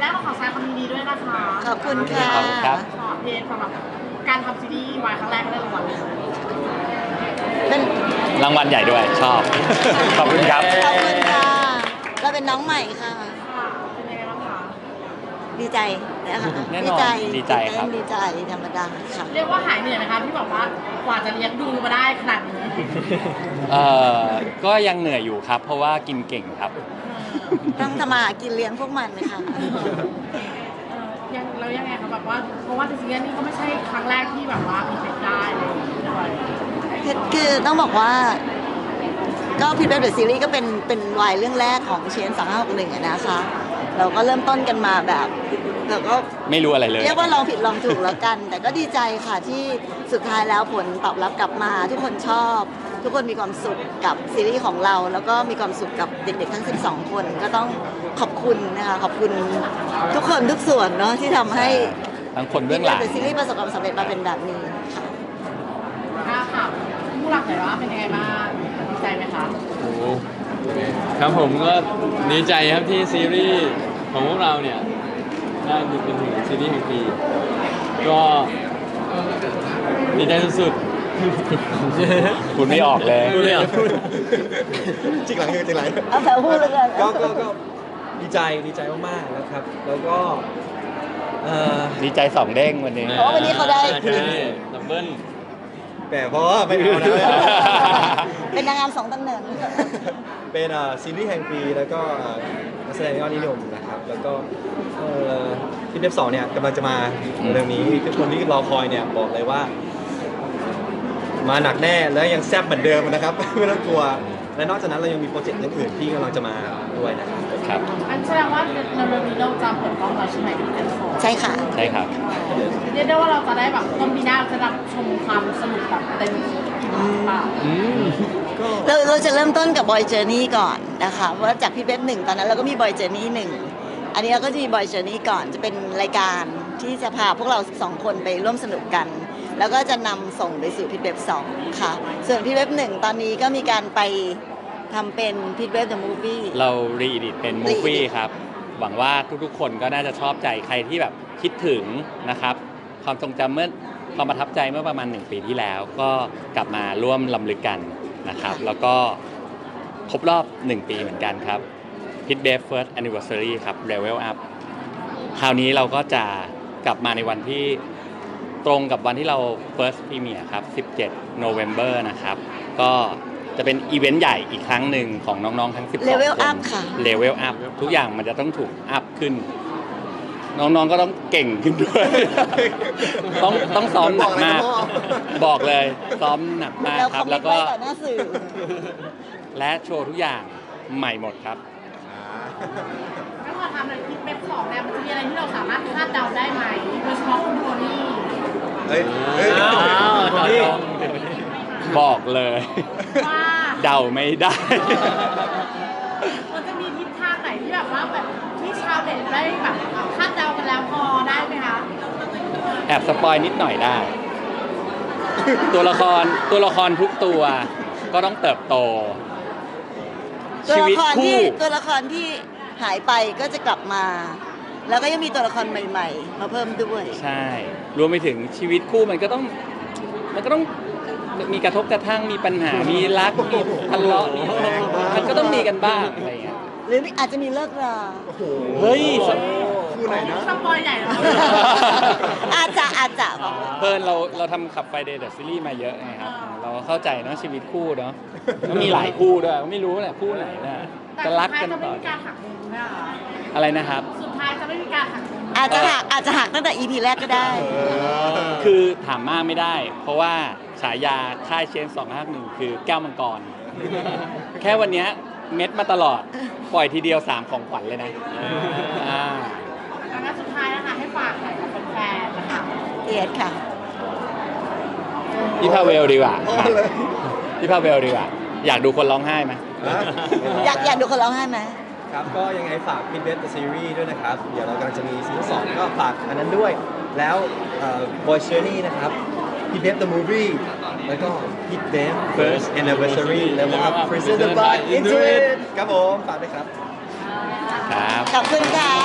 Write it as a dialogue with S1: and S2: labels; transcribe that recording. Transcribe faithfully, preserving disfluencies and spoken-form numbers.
S1: แรกเราขอแสดงความยินดีด้วยนะคะ
S2: ขอบคุณค่ะ
S3: ขอบคุณครับ
S1: ขอเพจสำหรับการทำซีรีส์วายครั้งแรกก็ได้รางวัลเลย
S2: เป็น
S3: รางวัลใหญ่ด้วยชอบ ขอบคุณครับ
S2: ขอบคุณค่ะเราเป็นน้องใหม่ค่ะ
S1: ค่ะเป็นยังไงบ้างคะ
S2: ดีใจนะคะ
S3: แน่นอนดีใจครับ
S2: ดีใจธรรมดาค่ะ
S1: เรียกว่าหายเหนื่อยไหมคะที่บอกว่ากว่าจะเลี้ยงดูมาได้ขนาดนี้
S3: เอ่อก็ยังเหนื่อยอยู่ครับ เพราะว่ากินเก่งครับ
S2: ต้องทำมาหากินเลี้ยงพวกมันเลยค่ะ
S1: เออยังแล้วยังไงคะแบบว่าเพราะว่าซีรีส์นี้ก็ไม่ใช่ครั้งแรกที่แบบว่ามีเพจได้เลยด้วย
S2: คือคือต้องบอกว่า ก็พิทเบฟเดอะซีรีส์ก็เป็นเป็นวายเรื่องแรกของเชนสองห้าหกหนึ่งนะคะ เราก็เริ่มต้นกันมาแบบเราก็
S3: ไม่รู้อะไรเลย
S2: เรียกว่าลองผิดลองถูกแล้วกัน แต่ก็ดีใจค่ะที่สุดท้ายแล้วผลตอบรับกลับมา ทุกคนชอบ ทุกคนมีความสุขกับซีรีส์ของเรา แล้วก็มีความสุขกับเด็กๆทั้งสิบสองคนก็ต้องขอบคุณนะคะขอบคุณทุกคนทุกส่วนเนาะที่ทำให้
S3: ทั้งคนเบื้องหลัง
S2: พิทเบฟเดอะซีรีส์ประสบความสำเร็จมาเป็นแบบนี้ค่ะ
S1: ถ้าถามผู้หลักหน่อยว่าเป็นยังไงบ้างดีใจไหมคะ
S4: โอ้โหครับผมก็ดีใจครับที่ซีรีส์ของพวกเราเนี่ยได้เป็นถึงซีรีส์แห่งปีก็ดีใจสุด
S3: คุณไม่ออกเลย
S4: ๆพูดไม่ออก
S5: จริงหลังคือจริงหลัง
S2: เอาแถวพูดเลยกัน
S5: ก็ก็ก็ดีใจดีใจมากๆนะครับ แล้วก็เอ่อ
S3: ดีใจสองเด้งวันนี้
S2: เพราะว่าวันนี้เขาได้
S4: ใช่ดับเบิ้ล
S5: แต่เพราะว่าไม่เอานะ
S2: เป็นนางงามสองตำแหน่ง
S5: เป็นเอ่อซีรีส์แห่งปีแล้วก็เอ่อนักแสดงยอดนิยมนะครับ แล้วก็เอ่อที่เดฟสองเนี่ยกำลังจะมาเรื่องนี้ทุกคนที่รอคอยเนี่ยบอกเลยว่า มาหนักแน่แล้วยังแซ่บเหมือนเดิมนะครับ ไม่ต้องกลัว และนอกจากนั้นเรายังมีโปรเจกต์อื่นๆที่กำลังจะมาด้วยนะครับ
S3: ครับ
S1: อันแสดงว่าในเรื่องนี้เราจะเปิดกล้องแล้วใช่ไหมที่เป็นโฟน
S2: ใช่ค่ะ
S3: ใช่ครับ
S1: เรียกได้ว่าเราจะได้แบบต้นปีหน้าจะรับชมความสนุกแบบเต็มที่หรือเปล่า
S2: เราเราจะเริ่มต้นกับบอยเจอร์นี่ก่อนนะคะเพราะว่าจากพี่เบฟหนึ่งตอนนั้นเราก็มีบอยเจอร์นี่หนึ่งอันนี้เราก็จะมีบอยเจอร์นี่ก่อนจะเป็นรายการที่จะพาพวกเราสองคนไปร่วมสนุกกัน แล้วก็จะนำส่งไปสู่พี่เบฟสองค่ะ ส่วนพี่เบฟหนึ่งตอนนี้ก็มีการไปทำเป็นพี่เบฟเดอะมูฟวี่
S3: เรารีดิตเป็นมูฟวี่
S2: re-edit
S3: ครับ หวังว่าทุกๆ คนก็น่าจะชอบใจใครที่แบบคิดถึงนะครับ ความทรงจำเมื่อความประทับใจเมื่อประมาณหนึ่งปีที่แล้ว ก็กลับมาร่วมลำลึกกันนะครับ แล้วก็ครบรอบหนึ่งปีเหมือนกันครับ Pit b a f First Anniversary ครับ Level Up คราวนี้เราก็จะกลับมาในวันที่ตรงกับวันที่เรา First Premiere ครับ สิบเจ็ด November นะครับ ก็จะเป็นอีเวนต์ใหญ่อีกครั้งหนึ่งของน้องๆทั้งสิบสองคน
S2: Level Up ค่ะ
S3: Level Up ทุกอย่างมันจะต้องถูกอัพขึ้น น้องๆก็ต้องเก่งขึ้นด้วย ต้องต้องซ้อมหนักมาก บอกเลยซ้อมหนักมาก
S2: เรา
S3: ค
S2: ค
S3: รั
S2: อบ มเม
S3: แล้
S2: น
S3: ว
S2: ต์
S3: ก็
S2: ไว้ต่อหน้าสื่อ
S3: และโชว์ทุกอย่างใหม่หมดครับ
S1: ถ้าพอทำอะไรที่เป็นสองเนี่ยมันจะมีอะไรที่เราสามารถคาดเดาได้ไหมโดยเฉพาะคุณโทนี่
S5: เฮ้ยเฮ้ย
S4: อ้าวต่อ
S5: นี่
S4: ตรง
S3: บอกเลย
S1: ว่า
S3: เดาไม่ได้
S1: มันจะมีทิศทางไหนที่แบบว่าแบบที่ชาวเน็ตได้แบบคาดเดากันแล้วพอได้ไหมคะ
S3: แอบสปอยนิดหน่อยได้ ตัวละครตัวละครทุกตัวก็ต้องเติบโต
S2: ตัว
S3: ชี
S2: ละ
S3: วิต
S2: ครที่
S3: คู่
S2: ตัวละครที่หายไปก็จะกลับมา แล้วก็ยังมีตัวละครใหม่ๆ มาเพิ่มด้วย
S3: ใช่ รวมไปถึงชีวิตคู่มันก็ต้อง มันก็ต้องมีกระทบกระทั่งมีปัญหา มีรัก มีทะเลาะมีมันก็ต้องมีกันบ้างอะไรอย่างเงี้ย
S2: หรืออาจจะมีเลิกรา
S5: โอ้โห
S3: เฮ้ยส
S5: คู่ไหนนะ
S1: สปอยใหญ่แล้ว
S2: อาจจะอาจจะบอกว่า
S3: เพิ่นเราเราทำขับไฟเดย์เดอะซีรีส์มาเยอะไงครับ เราเข้าใจเนาะชีวิตคู่เนาะแล้วมีหลายคู่ด้วยไม่รู้แหละคู่ไหนน่ะ
S1: แต่
S3: จะ
S1: สุด
S3: รัก
S1: ท้าย
S3: กัน
S1: จะไม่
S3: ต่อ
S1: มีการหักมุมใช่ไหมคะ
S3: อะไรนะครับ
S1: สุดท้ายจะไม่มีการหักมุม
S2: อาจจะหักอาจจะหักตั้งแต่ อี พี แรกก็ได้
S3: คือถามมากไม่ได้ เพราะว่าฉายาค่ายเชนสองห้าหนึ่งคือแก้วมังกร แค่วันเนี้ยเม็ดมาตลอด ปล่อยทีเดียวสามของขวัญเลยนะอ่า
S1: อันนั้นสุดท้ายนะคะให้ฝากหน่อยกับแฟนๆนะคะ
S2: เอียดค่ะ
S3: พี่พาเวลดีกว่า
S5: โอ้เลย
S3: พี่พาเวลดีกว่า อยากดูคนร้องไห้ไหม
S2: อยากอยากดูคนร้องไห้ไหม
S5: ครับก็ยังไงฝาก Pit b a f The Series ด้วยนะครับ เดี๋ยวเรากำลังจะมีซีซั่นสองก็ฝากอันนั้นด้วย แล้วเอ่อ Boy Journey นะครับ Pit b a f The Movie แล้วก็ Pit b a f First Anniversary Level Up Presented by Intuit ครับผมฝากด้วยครับ
S3: ครับ
S2: ขอบคุณค่ะ